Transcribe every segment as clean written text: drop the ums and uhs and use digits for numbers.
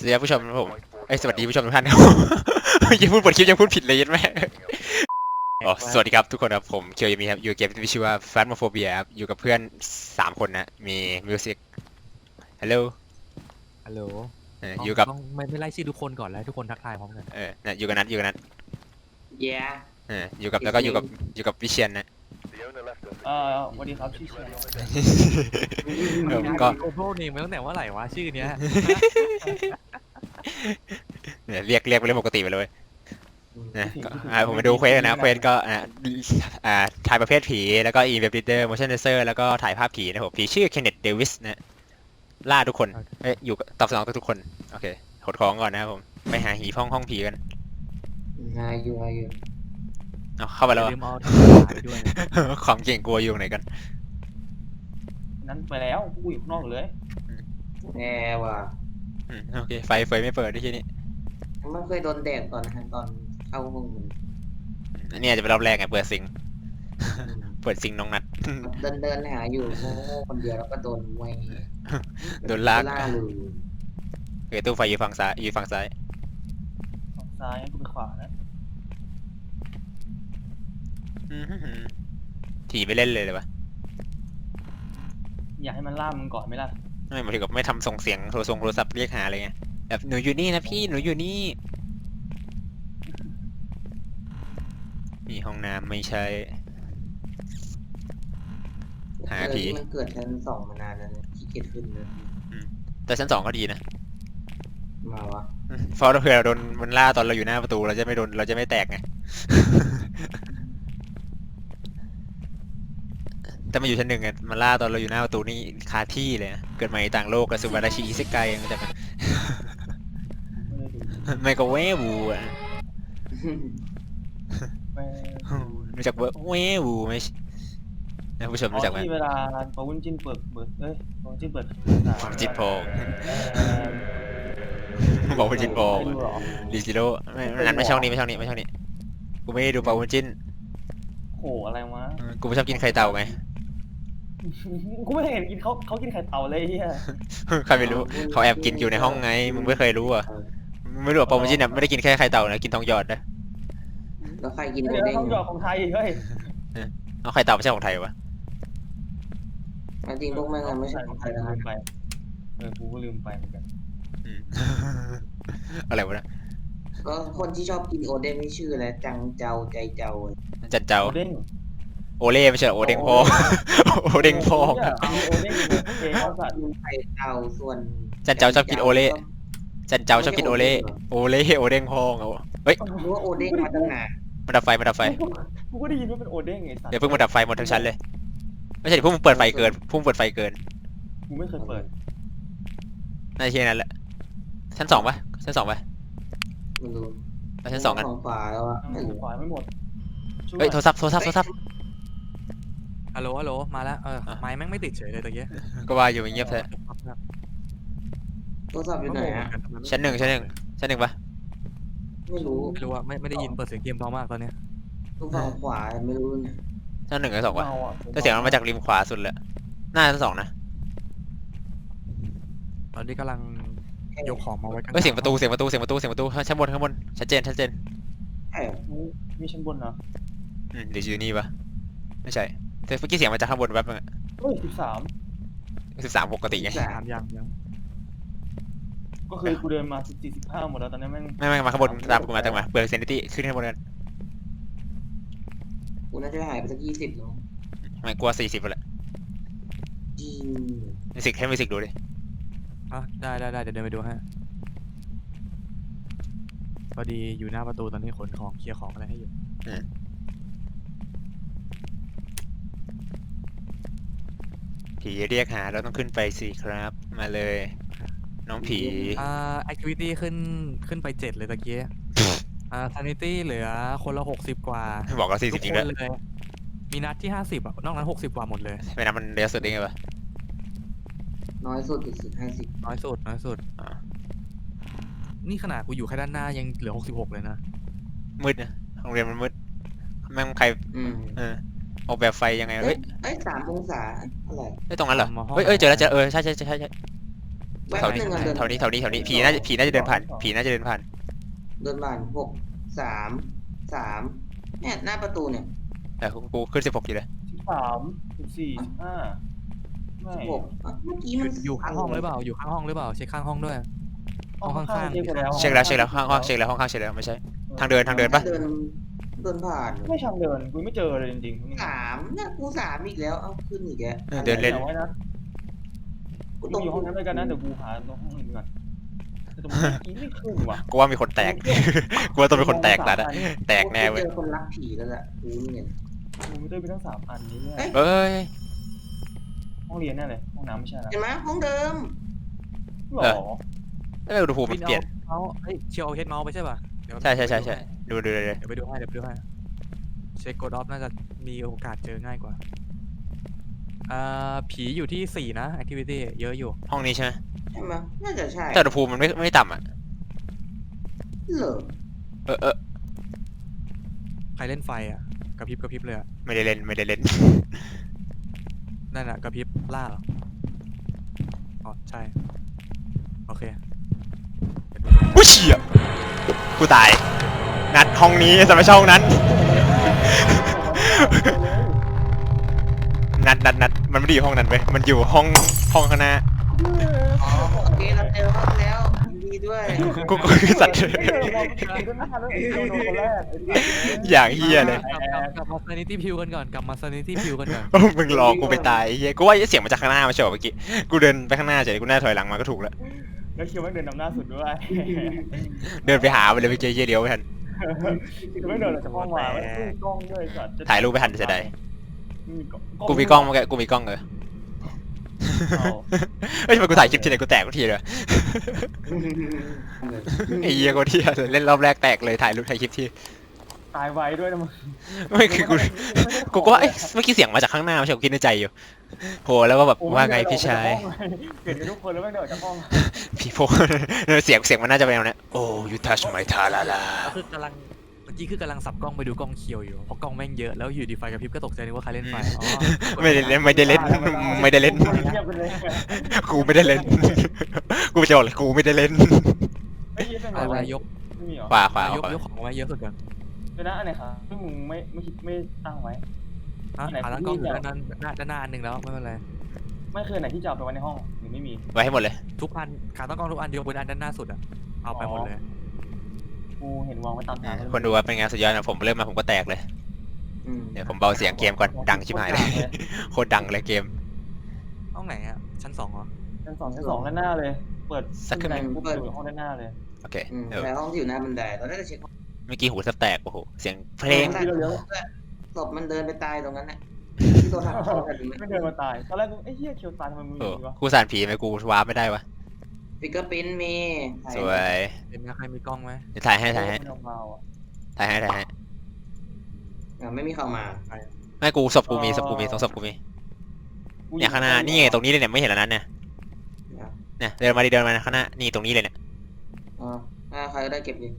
วัสดีครับผู้ชมครับผมสวัสดีผู้ชมทุกท่านครับ ยังพูดบทคลิปยังพูดผิดเลยยันไหมอ๋อสวัสดีครับทุกคนครับผมเคียวยามีครับอยู่เกมที่มีชื่อว่า Phasmophobia ครับอยู่กับเพื่อน3 คนนะมีมิวสิกฮัลโหลฮัลโหลอยู่กับต้องไม่ไล่ชื่อทุกคนก่อนแล้วทุกคนทักทายพร้อมกันนะอยู่กับนัท Yeah อยู่กับแล้วก็อยู่กับวิเชียนนะสวัสดีครับชื่อเชียร์ก็โกโบนี่มาตั้งแต่ว่าไหร่วะชื่อเนี้ยเรียกไปเรื่องปกติไปเลยนะก็ผมมาดูเควสนะเควสก็ถ่ายประเภทผีแล้วก็อีเว็บ reader motion sensor แล้วก็ถ่ายภาพผีนะครับผมผีชื่อเคนเนตเดวิสนะล่าทุกคนอยู่ตอบสนองทุกคนโอเคขดของก่อนนะครับผมไปหาหีห้องผีกันหาอยู่เอาเข้าไปแล้วลืมเอาทำไปด้วยนะความเก่งกลัวอยู่ตรงไหนกันนั้นไปแล้วกูอยู่ข้างนอกเลยแน่ว่ะโอเคไฟเฟยไม่เปิดที่นี่มันเคยโดนแดดตอนเข้าห้องมันอันนี้อาจจะเป็นรอบแรกไงเปิดซิงน้องนัดเดินหาอยู่โง่คนเดียวแล้วก็โดนมวยโดนลากเลยโอเคตู้ไฟอยู่ฝั่งซ้ายฝั่งซ้ายงั้นกูไปขวานะถี่ไปเล่นเลยวะอยากให้มันล่ามึงก่อนไหมล่ะไม่หมายถึงกับไม่ทำส่งเสียงโทรศัพท์เรียกหาอะไรเงี้ยแบบหนูอยู่นี่นะพี่หนูอยู่นี่มีห้องน้ำไม่ใช่ หาผีมันเกิดชั้น2มานานแล้วนะขี้เกียจขึ้นเลยแต่ชั้น2ก็ดีนะมาวะเพราะเผื่อเราโดนมันล่าตอนเราอยู่หน้าประตูเราจะไม่แตกไง แต่มาอยู่ชั้น 1ไงมันล่าตอนเราอยู่หน้าประตูนี่คาที่เลยนะเกิดใหม่ต่างโลกกับสุวรรณชีอิเซไกมันจะไม่ได้ดูไม่ก็เวบูอ่ะไม่รู้จักเวบูไหมนะผู้ชมรู้จักไหมที่เวลาปาวุ้นจิ้นเปิดปาวุ้นจิ้นเปิดจิตโพบอกว่าจิตโพไม่ดูหรอดีซิโร่ไม่ช่องนี้กูไม่ได้ดูเปาวุ้นจิ้นโหอะไรวะกูไม่ชอบกินไข่เต่าไงกูไม่เห็นกินเขากินไข่เต่าเลยเฮียใครไม่รู้เขาแอบกินอยู่ในห้องไงมึงไม่เคยรู้อ่ะไม่รู้ว่าเปาวุ้นจิ้นไม่ได้กินแค่ไข่เต่านะกินทองหยอดนะแล้วใครกินโอเดี๋ยวเด้งต้องหยอดของไทยเฮ้ยเอาไข่เต่าไม่ใช่ของไทยวะจริงพวกมันไม่ใช่ของใครนะลืมไปกูก็ลืมไปเหมือนกันอะไรวะนะก็คนที่ชอบกินโอเด้งนี่ชื่ออะไรจังเจ้าใจเจ้าจันเจ้าโอเด้งโอเล่ไม่ใช่โอเด้งพ่อโอเด้งพ่อโอเด้งโอเคเขาสัตว์กินไข่เต่าส่วนจันเจ้าชอบกินโอเล่จันเจ้าชอบกินโอเล่โอเล่โอเด้งพ่อเอาเฮ้ยรู้ว่าโอเด้งมาตั้งนานมาดับไฟกูก็ได้ยินว่าเป็นโอเด้งไงสัตว์เดี๋ยวเพิ่งมาดับไฟหมดทั้งชั้นเลยไม่ใช่พวกมึงเปิดไฟเกินกูไม่เคยเปิดน่าจะแค่นั้นแหละชั้น 2ปะชั้น 2ปะไม่รู้ไปชั้น 2กันของฝาแล้วอะไม่รู้ขวาไม่หมดเฮ้ยโทรศัพท์ฮัลโหลมาแล้วไม้แม่งไม่ติดเฉยเลยตะเกียก็ว่าอยู่เงียบแท้โทรศัพท์อยู่ไหนอะชั้น 1ปะไม่รู้ไม่รู้ว่าไม่ได้ยินเปิดเสียงเกมเพราะมากตอนเนี้ยทุกฝั่งขวาไม่รู้เนี่ยชั้น 1กับ2ปะเมาอ่ะแต่เสียงมันมาจากริมขวาสุดเลยน่าชั้น 2นะตอนนี้กำลังยกของมาไว้กันเฮ้ยเสียงประตูชั้นบนชัดเจนใช่เหรอมีชั้นบนนะหรืออยู่นี่ปะไม่ใช่แต่เมื่อกี้เสียงมาจากข้างบนแป๊บนึงอะเฮ้ย13 13ปกติไงถามยังก็คือกูเดินมา14 15หมดแล้วตอนนี้แม่งไม่มาข้างบนตามกูมาเปิดเซนิตี้ขึ้นข้างบนกันกูน่าจะหายไปสัก20แล้วไม่กลัว40ไปละจริงมิวสิกให้มิวสิกดูดิได้เดี๋ยวเดินไปดูฮะพอดีอยู่หน้าประตูตอนนี้ขนของเคลียร์ของอะไรให้อยู่ผีเรียกหาเราต้องขึ้นไปสิครับมาเลยน้องผี activity ขึ้นไป7เลยตะเกียsanity เหลือคนละ60กว่าบอกเราทุ 40 กจริงคด้วยนเลยมีนัดที่50นอกนั้น60กว่าหมดเลยไม่นับมันเดียวสุดได้ไงวะน้อยสุดสุด50 น้อยสุดอ๋อนี่ขนาดกูอยู่แค่ด้านหน้ายังเหลือ66เลยนะมืดนะโรงเรียนมันมืดแม่งใครออกแบบไฟยังไงเฮ้เฮ้ยย 3 องศาอะไรตรงนั้นเหรอเฮ้ยเจอแล้วเจอใช่แวบแถวหนี้นึ่งอะเดินแถวนี้ผีน่าจะเดินผ่านผีน่าจะเดินผ่านเดินผ่าน6 3 3เนี่ยหน้าประตูเนี่ยแต่กูขึ้น16อยู่เลย 13 14 15ไม่ 6เมื่อกี้อมันยู่ข้างห้องหรือเปล่าอยู่ข้างห้องหรือเปล่าเช็คข้างห้องด้วย ห้องข้างๆเช็คไปแล้วเช็คแล้วห้องเช็คแล้วห้องข้างเช็คแล้วไม่ใช่ ทางเดินปะเดินผ่านไม่ทางเดินกูไม่เจอเลยจริงๆ 3เนี่ยกู3อีกแล้วเอาขึ้นอีกแล้วเดินเล่นอาไว้นะกูกูอยู่ห้องนั้นด้วยกันนะเดี๋ยวกูหาตรงห้องอื่นก่อนแต่ตรงนี้ไม่ขึ้นว่ะกูว่ามีคนแตก กูว่าต้องเป็นคนแตกแล้วนะแตกแน่เว้ยเจอคนรักผีแล้วล่ะกูเนี่ยกูไม่ได้ไปทั้ง3 อันนี้เนี่ยเอ้ยห้องเรียนแน่เลยห้องน้ำไม่ใช่นะเห็นไหมห้องเดิมหรเอออ เอ้ยอุณหภูมิมันเปลี่ยนเมาส์เฮ้ยเชียวเอาเฮดเมาส์ไปใช่ป่ะเดี๋ยวใช่ดูเลยเดี๋ยวไปดูให้เช็คโกดอฟน่าจะมีโอกาสเจอง่ายกว่าผีอยู่ที่4นะ activity เยอะอยู่ห้องนี้ใช่ไหมใช่ไหมน่าจะใช่แต่อุณหภูมิมันไม่ต่ำอ่ะเหรอเออใครเล่นไฟอ่ะกระพริบเลยอะไม่ได้เล่นนั่นอะกระพริบล่าเหรออ๋อใช่โอเคกูเฉียบกูตายงัดห้องนี้แต่ไม่ใช่ห้องนั้นนัดมันไม่ได้อยู่ห้องนั้นเว้ยมันอยู่ห้องข้างหน้าอ๋อโอเคเราเจอห้องแล้วยินดีด้วยกูคือสัตว์ อย่างเฮียเลยกลับมา sanity pill กันก่อนกลับมา sanity pill กันก่อนมึงรอกูไปตายไอ้เฮียกูว่าเสียงมาจากข้างหน้ามาเฉยเมื่อกี้กูเดินไปข้างหน้าเฉยกูน่าถอยหลังมาก็ถูกแล้วแล้วคิวแม่งเดินนำหน้าสุดด้วยเดินไปหาไปเลยไปเจอเฮียเดียวไม่ทันคือไม่เดินออกจากห้องมาไม่มีกล้องด้วยสัตว์ถ่ายรูปไปทันเสียดายไม่มีกล้องกูมีกล้องเมื่อกี้กูมีกล้องเอาเฮ้ยทำไมกูถ่ายคลิปทีไหนกูแตกทุกทีเลยไอ้เหี้ยกูที่เล่นรอบแรกแตกเลยถ่ายรูปถ่ายคลิปทีตายไวด้วยนะมึงไม่คือกูก็ว่าเอ๊ะเมื่อกี้เสียงมาจากข้างหน้าไม่ใช่กูคิดในใจอยู่โหแล้วก็แบบว่าไงพี่ชายเห็นกันทุกคนแล้วแม่งเดินออกจากห้องพี่โพเสียงมันน่าจะเป็นแนวเนี้ยโอ้ยูทัชไมทาลาลาคือกำลังเมื่อกี้คือกำลังสับกล้องไปดูกล้องเคียวอยู่เพราะกล้องแม่งเยอะแล้วอยู่ดีไฟกระพริบก็ตกใจนึกว่าใครเล่นไฟอ๋อไม่ได้เล่นเงียบไปเลยกูไม่ได้เล่นกูจะบอกเลยกูไม่ได้เล่นไม่ยิ้มเป็นอะไรไรยกไม่มีหรอขวาขวายกของไว้เยอะสุดก่อนเดี๋ยวนะอันไหนครับที่มึงไม่ตั้งไว้ขาตั้งกล้องอยู่ด้านหน้าอันหนึ่งแล้วไม่เป็นไรไม่เคยไหนที่จะเอาไปไว้ในห้องหรือไม่มีไว้ให้หมดเลยทุกอันขาตั้งกล้องทุกอันยกเว้นอันด้านหน้าสุดอะเอาไปหมดเลยกูเห็นวางไว้ตามทางคนดูว่าเป็นไงสุดยอดนะผมเริ่มมาผมก็แตกเลยเดี๋ยวผมเบาเสียงเกมก่อนดังชิบหายเลยโคตรดังเลยเกมห้องไหนอะชั้น2เหรอชั้น 2ด้านหน้าเลย เปิดสักครึ่งปุ๊บอยู่ห้องด้านหน้าเลยโอเคแต่ห้องที่อยู่หน้าบันไดเราได้จะเช็คเมื่อกี้หูแทบแตกโอ้โหเสียงเพลงศพมันเดินไปตายตรงนั้นน่ะที่โดนหักคอกันไม่เดินมาตายตอนแรกกูไอ้เหี้ยเคียวตายทำไมมึงโอ้มีวะกูสานผีไหมกูวาร์ปไม่ได้วะฟิกเกอร์ปิ้นมีสวยเป็นใครมีกล้องไหมเดี๋ยวถ่ายให้ไม่เอาอะไม่มีเข้ามาไม่กูศพกูมีตรงศพกูมีเนี่ยข้างหน้านี่ไงตรงนี้เลยเนี่ยไม่เห็นแล้วนั้นเนี่ยเนี่ยเดินมาข้างหน้านี่ตรงนี้เลยเนี่ยอ๋อใครก็ได้เก็บดิ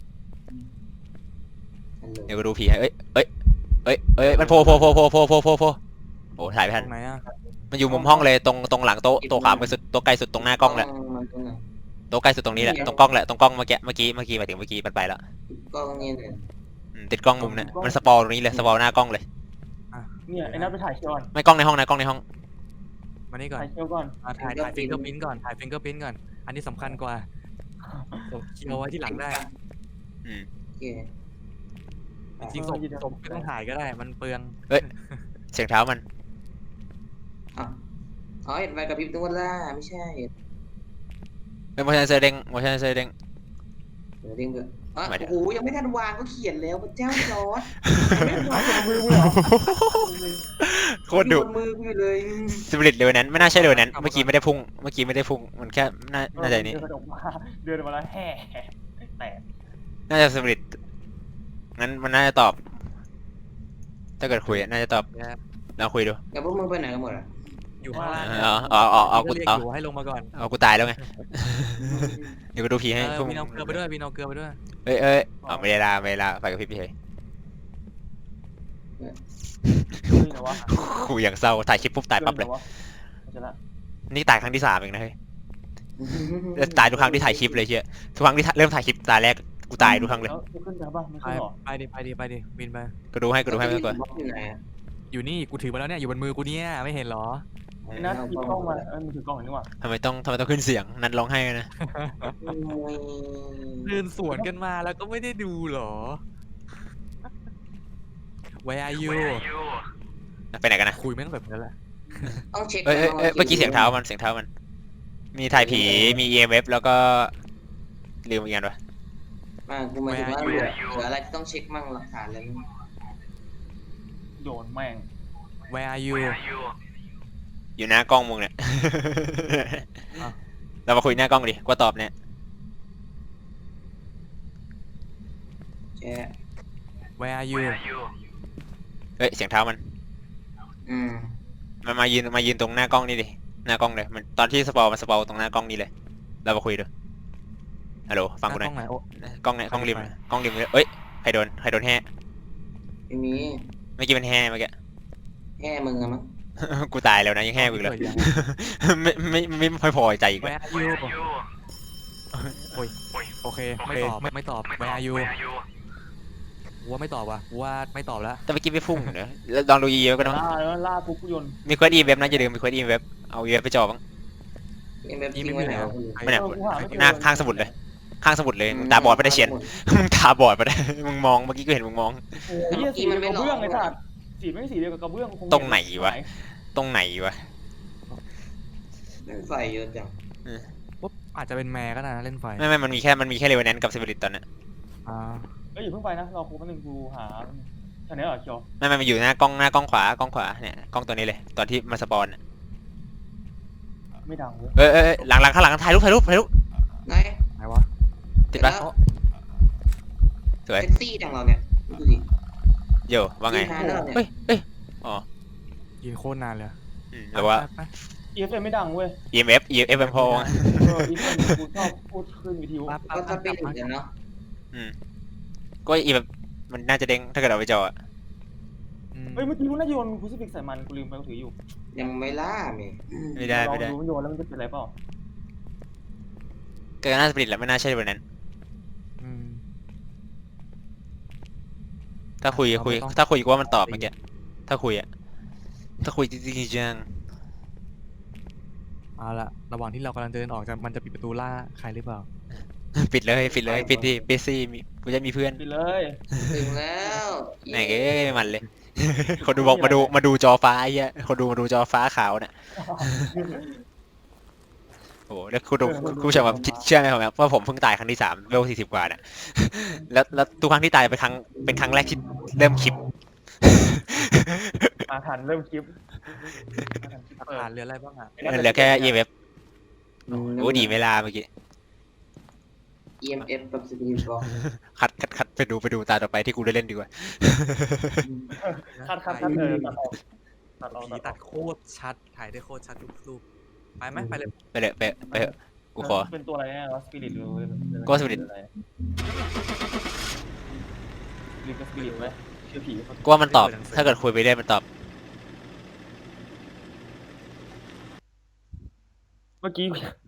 เดี๋ยวกูดูผีให้เอ้ยมันโผล่โอ้ถ่ายไม่ทันตรงไหนอะมันอยู่มุมห้องเลยตรงหลังโต๊ะขวามือสุดโต๊ะไกลสุดตรงหน้ากล้องแหละมันตรงไหนโต๊ะใกล้สุดตรงนี้แหละตรงกล้องแหละตรงกล้องเมื่อกี้หมายถึงเมื่อกี้มันไปแล้วกล้องนี่เลยติดกล้องมุมเนี่ยมันสปอลตรงนี้เลยสปอลหน้ากล้องเลยเนี่ยไอ้นัทไปถ่ายเคียวก่อนไม่กล้องในห้องนะกล้องในห้องมานี่ก่อนถ่ายเคียวก่อนถ่ายฟิงเกอร์พิ้นก่อนถ่ายฟิงเกอร์พิ้นก่อนอันนี้สำคัญกว่าเคียวไว้ที่หลังได้อืมโอเคจริงๆศพไม่ต้องถ่ายก็ได้มันเปลืองเสียงเท้ามันอ๋อเห็นไฟกระพริบตัวล่าไม่ใช่เป็น motion sensor เด้งเดี๋ยวเด้งเถอะโอ้โหยังไม่ทันวางก็เขียนแล้วพระเจ้าจอร์ดมือมึงเหรอโคตรดุมือกูอยู่เลยสปิริตเร็วนั้นไม่น่าใช่เร็วนั้นเมื่อกี้ไม่ได้พุ่งมันแค่น่าจะนี่เดินออกมาเดินมาแล้วแห่แตกน่าจะสปิริตงั้นมันน่าจะตอบ ถ้าเกิดคุยน่าจะตอบลองคุยดูแต่พวกมึงไปไหนกันหมดอ่ะอยู่ข้างล่างเอากูเรียกเอาอยู่ให้ลงมาก่อนเอากูตายแล้วไงเดี๋ยวกูดูผีให้พวกวินเอาเกลือไปด้วยวินเอาเกลือไปด้วยเอ้ยไม่ได้ลาไฟกับพี่เฉยนี่นะวะกูอย่างเศร้าถ่ายคลิปปุ๊บตายปั๊บเลยจะละนี่ตายครั้งที่3เองนะเฮ้ยตายทุกครั้งที่ถ่ายคลิปเลยเชียทุกครั้งที่เริ่มถ่ายคลิปตาแรกกูตายทุกครั้งเลยแล้วขึ้นไปป่ะไม่ไปขึ้นหรอไปดิวินไปกูดูให้ไม่ต้องกลัวบล็อกอยู่ไหนอะอยู่นี่กูถือมาแล้วเนี่ยอยู่บนมือกูเนี่ยไม่เห็นเหรอไอ้นัทหยิบกล้องมามันถือกล้องเห็นนี่หว่าทำไมต้องขึ้นเสียงนัดร้องไห้นะเดินสวนกันมาแล้วก็ไม่ได้ดูเหรอ Where are you ไปไหนกันนะคุยไม่ต้องแบบนั้นแหละต้องเช็คเมื่อกี้เสียงเท้ามันมีถ่ายผีมี EMF แล้วก็ลืมอีกอย่างวะกูหมายถึงว่าเหลืออะไรที่ต้องเช็คมั่งหลักฐานอะไรมั่งโยนแม่ง Where are you อยู่หน้ากล้องมึงเนี่ยอ้าวเรามาคุยหน้ากล้องดิกว่าตอบเนี่ยแช่ Where are you เฮ้ยเสียงเท้ามันอืมมันมายืนตรงหน้ากล้องนี่ดิหน้ากล้องเลยมันตอนที่สปอร์มันสปอร์ตรงหน้ากล้องนี่เลยเรามาคุยดูฮัลโหลฟังกูหน่อยกล้องไหนโอ้กล้องเนี่ยกล้องริมเลยเอ้ยใครโดนแห่ไม่มีเมื่อกี้มันแห่เมื่อกี้แค่มึงอะมั้งกูตายแล้วนะยังแห่กูอีกเลยเปิดยังไม่ค่อยพอใจอีกเลย Where are you โอ้ยโอเคไม่ตอบ Where are you ว่าไม่ตอบว่ะว่าไม่ตอบแล้วแต่เมื่อกี้ไม่พุ่งเนอะแล้วลองดู EMF ก็ต้องล่าปุ๊บกูโยนมีเควส EMF นะอย่าลืมมีเควส EMF เอา EMF ไปจ่อบ้างเอ็มเอฟทิ้งไว้ไหนวะไม่เนี่ยกูหาไม่เจอหน้าข้างสมุดเลยข้างสมุดเลยมึงตาบอดไปได้เชียน มึงตาบอดไปได้มึงมองเมื่อกี้ก็เห็นมึงมองโอ้ยสีเดียวกับกระเบื้องไอ้สัตว์สีไม่สีเดียวกับกระเบื้องคงตรงไหนวะ ตรงไหนวะเล่นไฟเยอะจังปุ๊บอาจจะเป็นแมร์ก็ได้นะเล่นไฟไม่มันมีแค่เรเวนแนนกับสปิริตตอนนั้นอ่าเอ้ยอย่าเพิ่งไปนะรอครูแป๊บนึงกูหาอันนี้เหรอเคียวไม่มันอยู่หน้ากล้องขวเนี่ยกล้องตัวนี้เลยตอนที่มาสปอนอะไม่ดังเว้ยหลังข้างหลังถ่ายรูปไหนไหนวะติดปะสวยเซ็กซี่จังเราเนี่ยดูดิโยว่าไงนานแล้วเนี่ยเฮ้ยอ๋อยืนโคตรนานเลยหรือว่าไป EFM ไม่ดังเว้ย EMF มันพอ EFM กูชอบพูดขึ้นวิทยุก็จะเป็นอย่างนั้นเนาะก็ EMF มันน่าจะเด้งถ้าเกิดเอาไปจออะเฮ้ยเมื่อกี้กูน่าจะโยนคูซิฟิกใส่มันกูลืมไปกูถืออยู่ยังไม่ล่าเมย์ไม่ได้ลองดูมันโยนแล้วมันจะเป็นอะไรเปล่าเกิดน่าสปิริตแหละไม่น่าใช่เรเวนแนนอืมถ้าคุยกูว่ามันตอบเมื่อกี้ถ้าคุยจริงๆจังเอาละระหว่างที่เรากำลังเดินออกมันจะปิดประตูล่าใครหรือเปล่าปิดเลยปิดสิกูจะมีเพื่อนไปเลยถึงแล้วไหนเอ้ยมันเลย คนดูบอกมาดูจอฟ้าไอ้เหี้ยคนดูมาดูจอฟ้าขาวเนี่ยโอ้โหแล้วคุณผู้ชมแบบเชื่อไหมผมว่าผมเพิ่งตายครั้งที่3เวล40 กว่าน่ะแล้วทุกครั้งที่ตายเป็นครั้งแรกที่เริ่มคลิปอาถรรพ์เริ่มคลิปผ่านเรืออะไรบ้างอ่ะเหลือแค่ EMF โอ้ดีไม่ลาเมื่อกี้ EMF กับสปิริตบอกคัดไปดูตาต่อไปที่กูได้เล่นดีกว่าคัดตัดออกผีตัดโคตรชัดถ่ายได้โคตรชัดทุกรูปไปไหมไปเลยไปเลยไปเถอะกูขอเป็นตัวอะไรเนี่ยสปิริตหรือก็ Spirit หรือสปิริตไหมชื่อผีกูว่ามันตอบถ้าเกิดคุยไปได้มันตอบเมื่อกี้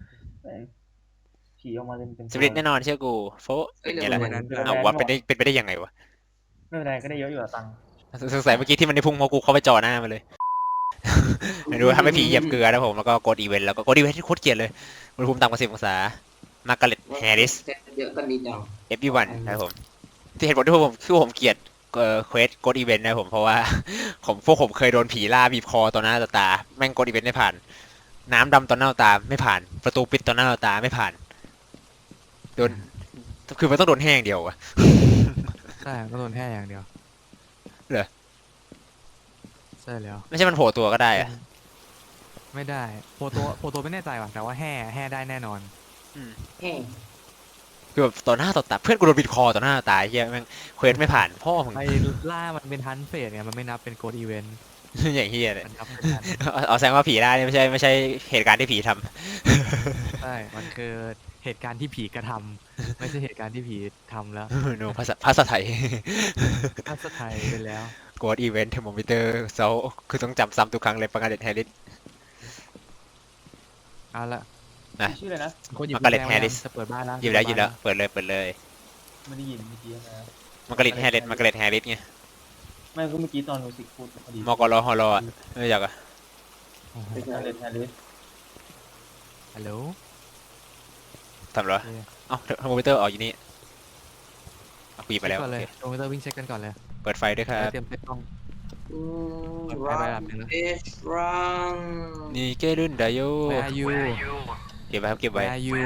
ผีออกมาเป็นสปิริตแน่นอนเชื่อกูโฟเอ้ยเป็นเดี๋ยวไงล่ะวันนั้นเอาว่าเป็นไปได้ยังไงวะไม่เป็นไรก็ได้เยอะอยู่อะตังค์สงสัยเมื่อกี้ที่มันได้พุ่งเพราะกูเข้าไปจ่อหน้ามันเลย ไม่รู้ทำให้ผีเหยียบเกลือนะผมแล้วก็กดอีเวนต์แล้วก็กดอีเวนต์ที่โคตรเกลียดเลยอุณหภูมิต่ำกว่า10 องศามาร์กาเร็ตแฮร์ริสเยอะกันดีจัง everyone นะครับผมที่เหตุผลที่ผมเกลียดเควสกดอีเวนต์นะผมเพราะว่า พวกผมเคยโดนผีล่าบีบคอต่อหน้าต่อตาแม่งกดอีเวนต์ไม่ผ่าน น้ำดำต่อหน้าต่อตาไม่ผ่าน ประตูปิดต่อหน้าต่อตาไม่ผ่านโดนคือมันต้องโดนแห้งเดียวอะใช่ก็โดนแค่อย่างเดียวเหรอใช่แล้วไม่ใช่มันโผล่ตัวก็ได้อะไม่ได้โพตัวไม่แน่ใจว่ะแต่ว่าแห่ได้แน่นอนแห้งคือแบบต่อหน้าต่อตาเพื่อนกูโดนบีบคอต่อหน้าต่อตาเฮียแม่งเควสไม่ผ่านพ่อมึงไอ้ล่ามันเป็นฮันเฟสไงมันไม่นับเป็นโกดอีเวนต์อย่างเฮียเลยมันนับเป็นฮันเอาแสดงว่าผีล่าเนี่ยไม่ใช่เหตุการณ์ที่ผีทำใช่มันคือเหตุการณ์ที่ผีกระทำไม่ใช่เหตุการณ์ที่ผีทำแล้วโนภาษาไทยภาษาไทยไปแล้วกดอีเวนต์เทอร์โมมิเตอร์เซาคือต้องจำซ้ำทุกครั้งเลยประกาศเด็ดแฮร์ริสเอาละนะชื่ออะไรนะคนหยิบ Margaret กุญแจไว้ยัง Harris จะเปิดบ้านแล้วหยิบแล้วหยิบแล้วเปิดเลยเปิดเลยไม่ได้ยินเมื่อกี้นะมาร์กาเร็ตแฮร์ริสมาร์กาเร็ตแฮร์ริสไงไม่ก็เมื่อกี้ตอนมิวสิกพูดพอดีมอกรฮอลอ่ะไม่รู้จักอ่ะเป็นการเล่นแฮร์ริสฮัลโหลทำเหรอโอเคเอ้าเทอร์โมมิเตอร์ออกอยู่นี่เอาปีไปแล้วเช็คก่อนเลยโอเคโทรมิเตอร์วิ่งเช็คกันก่อนเลยเปิดไฟด้วยครับเตรียมเซ็ตกล้อง เปิดไฟรัไว้นแบบนึงนะเอชรันนี่เกรุ่นไดโย Where are you เก็บไว้ครับเก็บไว้ Where are you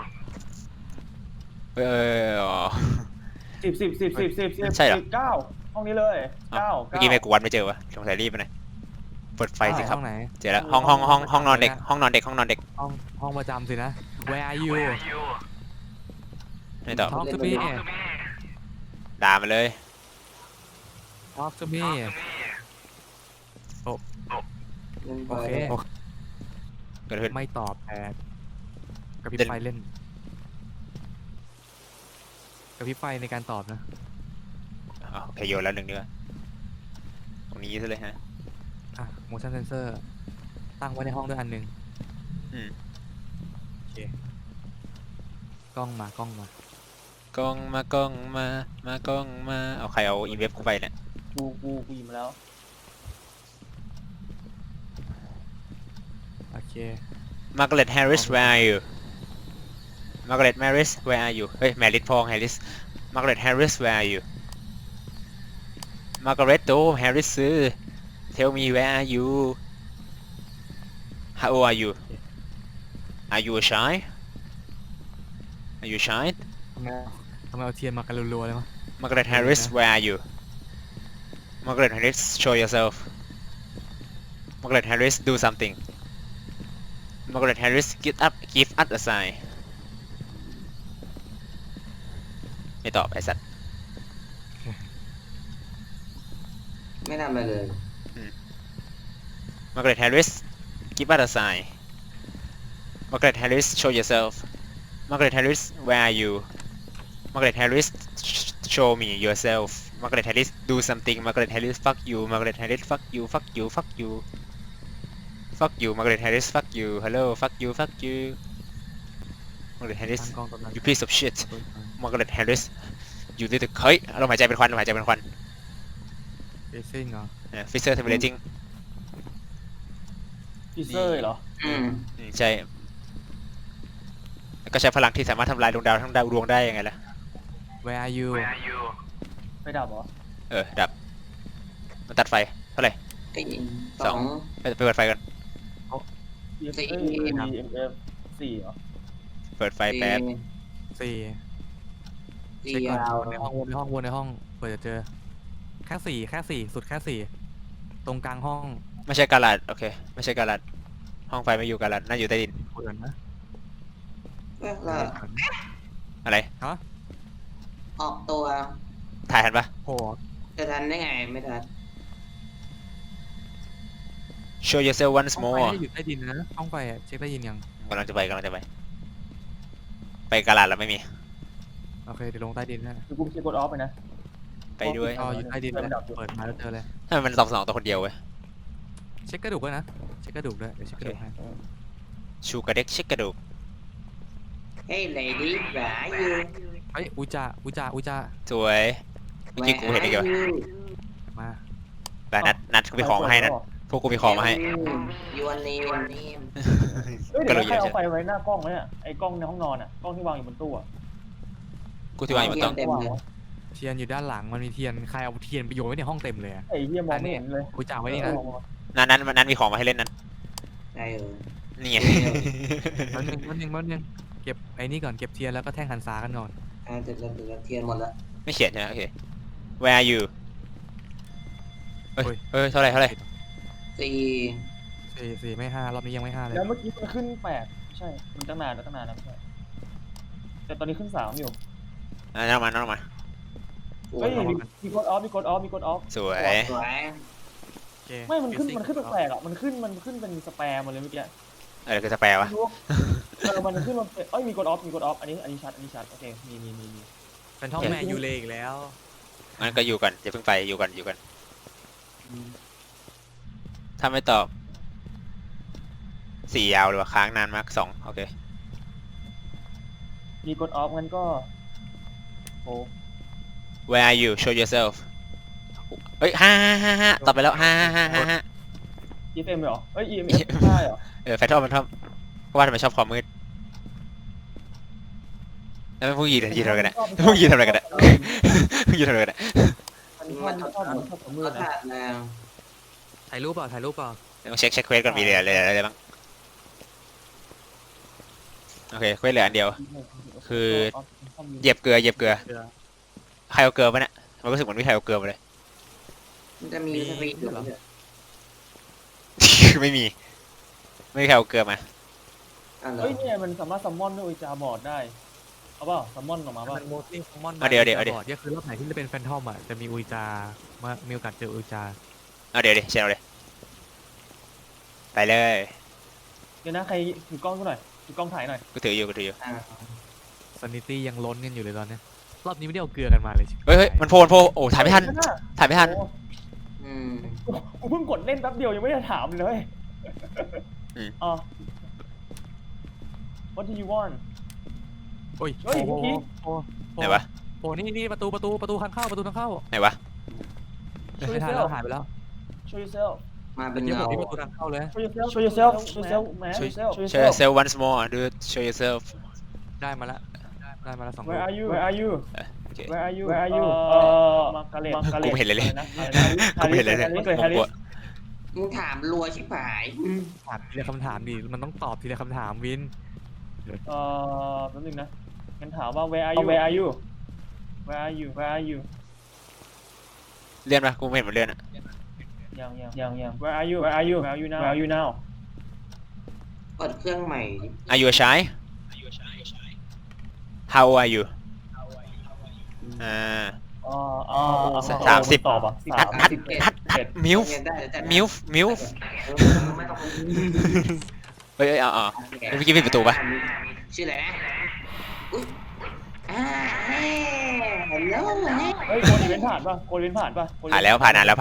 เอออ๋อ 10 ใช่เหรอ 9ห้องนี้เลยเอ้า 9 เมื่อกี้แม่กูวัดไม่เจอวะสงสัยรีบไปหน่อยเปิดไฟสิครับห้องไหนเจอแล้วห้องนอนเด็กห้องนอนเด็กห้องนอนเด็กห้องประจำสินะ Where are you ไม่ตอบ Talk to me ด่ามาเลย Talk to me โอเคเกิดขึ้นไม่ตอบแต่กระพริบเด่นไฟเล่นกระพริบไฟในการตอบนะอ๋อโอเคโยนแล้วหนึ่งเนื้อตรงนี้ซะเลยฮะอ่ะ motion sensor ตั้งไว้ในห้องด้วยอันหนึงอืมโอเคกล้องมากล้องมากล้องมากล้องมากล้องมาเอาใครเอาอินเว็บกูไปเนี่ยกูหยิบมาแล้วโอเค Margaret Harris where are you Margaret Harris where are you เฮ้ย Margaret พอง Harris Margaret Harris where are you Margaret โต Harris ซื้อ Tell me where are you How old are you Are you shy Are you shy ทำไมเอาเทียนมากันรัวๆเลยวะ Margaret Harris where are you Margaret Harris show yourself Margaret Harris do something Margaret Harris give us a sign ไม่ตอบไอ้สัตว์ไม่ทำอะไรเลย Margaret Harris give us a sign Margaret Harris show yourself Margaret Harris where are you Margaret Harris show me yourself Margaret Harris do something Margaret Harris fuck you Margaret Harris fuck you fuck you fuck you fuck you Margaret Harris fuck you hello fuck you fuck you Margaret Harris ตั้งกล้องตรงนั้น you piece of shit Margaret Harris you little เฮ้ยลมหายใจเป็นควันลมหายใจเป็นควันเฟซิ่งเหรอ Fisher tabulating พีเซอร์เหรอใช่แล้วก็ใช้พลังที่สามารถทำลายดวงดาวทั้งดวงได้ยังไงล่ะ Where are you ไม่ดับเหรอดับมันตัดไฟเท่าไหร่ไอ้สอง ไปเปิดไฟกันสี่ EMF 4เหรอเปิดไฟแป๊บสี่สี่เช็คก่อนยาววนในห้องวนในห้องเปิดจะเจอแค่สี่สุดแค่สี่ตรงกลางห้องไม่ใช่กาลัดโอเคไม่ใช่กาลัดห้องไฟไม่อยู่กาลัดน่าอยู่ใต้ดินเปิดนะแล้วอะไรฮะออกตัวถ่ายทันปะโหจะทันได้ไงไม่ทัน show yourself once ห้องไฟ more ไม่ได้อยู่ใต้ดินนะห้องไฟอะเช็คได้ยินยังกำลังจะไปไปกาลัดแล้วไม่มีโอเคเดี๋ยวลงใต้ดินนะคือกูเช็คกดออฟไปนะไปด้วยอ๋ออยู่ใต้ดินเลยเปิดมาแล้วเจอเลยทำไมมันตอบสนองตัวคนเดียวเว้ยเช็คกระดูกด้วยนะเช็คกระดูกด้วยเดี๋ยวเช็คกระดูกให้ชูกระเด็กเช็คกระดูกเฮ้ยเลดี้หราอยู่เฮ้ยอุจาสวยเมื่อกี้กูเห็นได้ไงวะมาไปนัดกูมีของมาให้นัดพวกกูมีของมาให้ยูนเนมเฮ้ยก็เดี๋ยวเลยใครอยากจะเอาไฟไว้หน้ากล้องไหมเนี่ยไอ้กล้องในห้องนอนอ่ะกล้องที่วางอยู่บนตู้อ่ะกูที่วางอยู่บนโต๊ะเต็มเลยเทียนอยู่ด้านหลังมันมีเทียนใครเอาเทียนไปโยนไว้ในห้องเต็มเลยอะไอ้เหี้ยมองไม่เห็นเลยอุจาไว้นี่นะนั้นมีของมาให้เล่นนั้นได้เออนี่ไงมันหนึ่งเก็บไอ้นี่ก่อนเก็บเทียนแล้วก็แท่งหันษากันก่อนเสร็จแล้วเทียนหมดแล้วไม่เขียนใช่ไหมโอเค where are you เฮ้ยเท่าไหร่สี่สี่ไม่ห้ารอบนี้ยังไม่ห้าเลยแล้วเมื่อกี้มันขึ้น8ไม่ใช่มันตั้งนานแล้วไม่ใช่แต่ตอนนี้ขึ้น3อยู่นั่งมาโอ้เฮ้ยยมีกดออฟสวยสวยโอเคไม่มันขึ้นแปลกๆอ่ะมันขึ้นเป็นสแปมมาเลยเมื่อกี้อะไรคือสแปรวะไม่รู้มันขึ้นมาเป็นมีกดออฟอันนี้ชัดโอเคมีเป็นท่องแมนยูเลยอีกแล้วงั้นก็อยู่กันอย่าเพิ่งไปอยู่กันถ้าไม่ตอบ4ยาวเลยว่ะค้างนานมาก2โอเคมีกดออฟงั้นก็โอ้ Where are you show yourself เฮ้ยห้าตอบไปแล้วห้า EFM เหรอเอ้ย EMF ใช่เหรอแฟนทอมก็ว่าทำไมชอบความมืดแล้วพวกยีนทำอะไรกันเนี่ยพวกยีนทำอะไรกันเนี่ยพวกยีนทำอะไรกันเนี่ยมันชอบความมืดก็นะขาดแล้วถ่ายรูปเปล่าถ่ายรูปเปล่าต้องเช็คเควสก่อนมีอะไรบ้างโอเคเควสเหลืออันเดียว คือเหยียบเกลือใครเอาเกลือมาเนี่ยมันรู้สึกเหมือนไม่ใครเอาเกลือมาเลยมันจะมีสวีทอยู่เหรอไม่มีใครเอาเกลือมาอ่ะเหรอเฮ้ยเนี่ยมันสามารถซัมมอนด้วยอุจาบอร์ดได้เอาเปล่าซัมมอนออกมาเปล่ามันโมซิ่งมอนเอาเดี๋ยวก็คือรอบไหนที่จะเป็นแฟนทอมอ่ะจะมีอุยจามามีโอกาสเจออุยจาเอาเดี๋ยวเชนเอาเลยไปเลยเดี๋ยวนะใครถือกล้องกูหน่อยถือกล้องถ่ายหน่อยกูถืออยู่อ่ะซันนิตี้ยังล้นกันอยู่เลยตอนเนี้ยรอบนี้ไม่ได้เอาเกลือกันมาเลยเฮ้ยมันโผล่โอ้ถ่ายไม่ทันโอ้อืมกูเพิ่งกดเล่นแป๊บเดียวยังไม่ได้ถามเลยอ๋อ What do you want โอ้ยเฮ้ยเมื่อกี้ไหนวะโอ้นี่ประตูทางเข้าไหนวะไม่ทันแล้วหายไปแล้ว Show yourself มาเป็นเดี๋ยวเงาที่ประตูทางเข้าเลย Show yourself man show yourself once more dude show yourself ได้มาละ2 Where are you Where are you โอเค Where are you Where are you มาร์กาเร็ตกูไม่เห็นเลยนะกูไม่เห็นเลยแฮร์ริสมึงถามรัวชิบหายถามทีละคำถามดิมันต้องตอบทีละคำถามวินแป๊บนึงนะงั้นถามว่า Where are you Where are you Where are you Where are you เลื่อนปะกูไม่เห็นมันเลื่อนอะยัง Where are you Where are you Where are you now Where are you now เปิดเครื่องใหม่ Are you shy How old are you 30 ตอบอ่ะฮัดมิลฟ์ได้แต่มิลฟ์ไม่ต้องเฮ้ยเมื่อกี้ปิดประตูปะชื่ออะไรนะอุ้ยฮัลโหลเฮ้ยโกดอีเวนต์ผ่านป่ะผ่านแล้วผ่านนานแล้ว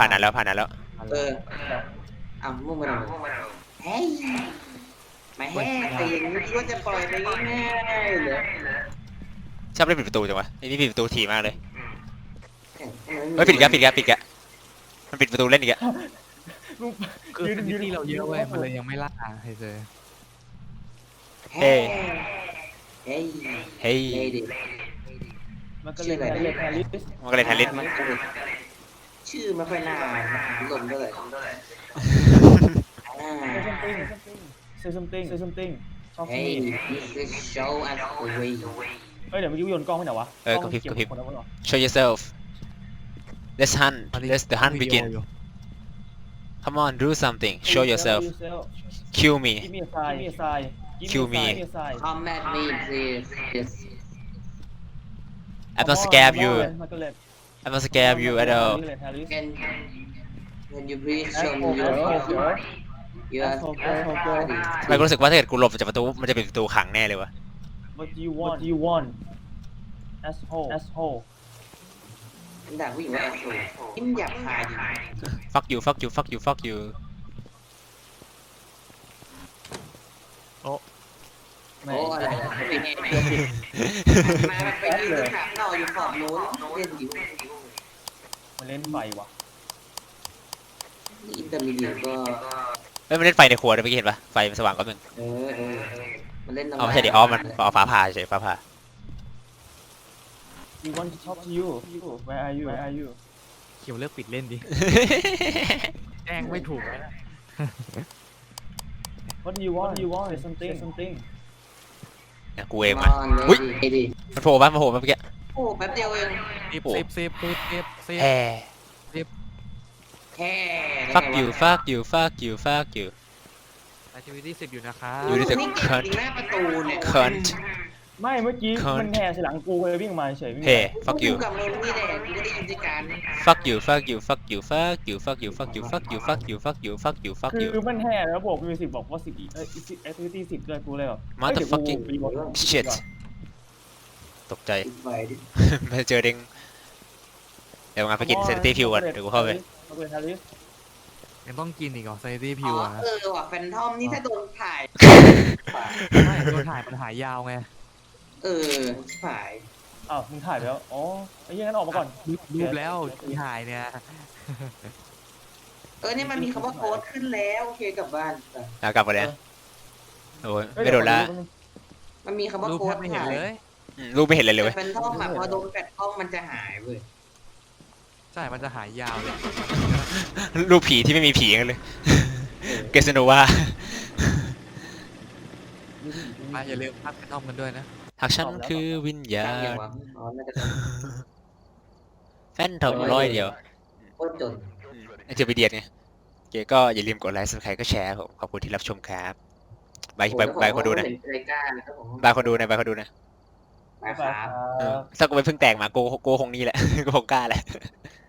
อ้าวมุ่งมาหน่อยเฮ้ยมาแฮ่แต่อย่างนี้คิดว่าจะปล่อยไปง่ายๆเหรอชอบเล่นปิดประตูจังวะไอ้นี่ปิดประตูถี่มากเลยเฮ้ยปิดอีกแล้วมันปิดประตูเล่นอีกแล้วคือซันนิตี้เราเยอะเว้ยมันเลยยังไม่ล่าให้เจอเฮ้ยเฮ้ยเฮ้ยมันก็เลยแฮร์ริสมันก็เลยทันลิสชื่อไม่ค่อยน่าลมเลย Say something ชอบเฮ้ย this is show us the way เฮ้ยเดี๋ยวเมื่อกี้โยนกล้องไปไหนวะกระพริบshow yourself let's the hunt begin come on do something show yourself kill me Give me a sign Kill me come at me please yes I'm not scared you I'm not scared you at all can you please show me your body ทำไมกูรู้สึกว่าถ้าเกิดกูหลบจากประตูมันจะเป็นประตูขังแน่เลยวะ What do you want asshole ด่าผู้หญิงว่าแอสโซยิ้มหยาบคายดิ fuck you โอ้อะไรเป็นไงมาไปยืนถามเราอยู่ขอบโน้นเล่นอยู่มันเล่นไฟว่ะอินเตอร์มีเดียก็เฮ้ยมันเล่นไฟในครัวด้วยเมื่อกี้เห็นปะไฟมันสว่างก็มึงมันเล่นไม่ใช่ดิมันเอาฟ้าผ่าเฉยฟ้าผ่า We want to talk to you Where are you เขียวเลิกปิดเล่นดิแจ้งไม่ถูกนะ What do you want Say something เนี่ยกูเองมาอุ้ยมันโผล่มาเมื่อกี้โอ้แป๊บเดียวเอง 10 แฮ่แค่ fuck you activity 10อยู่นะคะ You need to นี่ cut หน้าประตูเนี่ย cunt ไม่เมื่อกี้มันแห่ใส่หลังกูเลยวิ่งมาเฉยเฮ้ fuck you กับเรานี่แหละกูได้ยินด้วยกัน fuck you คือมันแห่แล้วบอกมิวสิกบอกว่า10 activity 10เลยกูเลยแบบ motherfucking shit ตกใจไปดิไม่เจอเด้งเดี๋ยวงานไปกินเซนตี้พิวก่อนเดี๋ยวกูเข้าไปยังต้องกินอีกเหรอซันนิตี้พิวอ่ะว่ะแฟนทอมนี่ถ้าโดนถ่ายไม่โดนถ่ายมันหายยาวไงฝ่ายอ้าวมึงถ่ายไปแล้วอ๋อไอ้เหี้ยงั้นออกมาก่อนรูปแล้วที่ถ่ายเนี่ยนี่มันมีคำว่าโค้ดขึ้นแล้วโอเคกลับบ้านไปกลับมาเลยโอ้ยเอ้ยไม่โดนละมันมีคำว่ารูปโค้แทดบไม่เห็นเลยรูปไม่เห็นเลยเลยเว้แต่ยเป็นท่อมอะพอโดนแฟลชกล้องมันจะหายเว้ยใช่มันจะหายยาวเลยรูปผีที่ไม่มีผีกันเลยเกสโนวาอย่าลืมพักกระท่อมกันด้วยนะหากฉันคือวิญญาตั้งยังณวะอ๋อน่าจะแฟนทอมร้อยเดียวโคตรจนเจอไปเดียนไงโอเคก็อย่าลืมกดไลค์สับสไครต์ก็แชร์ผมขอบคุณที่รับชมครับบายคนดูนะรายการนะครับผมบายคนดูนะบายคนดูนะมาคบ๊ายบายรับถ้ากูไปเพิ่งแตกมาโกคงนี่แหละ โกคงกล้าแหละ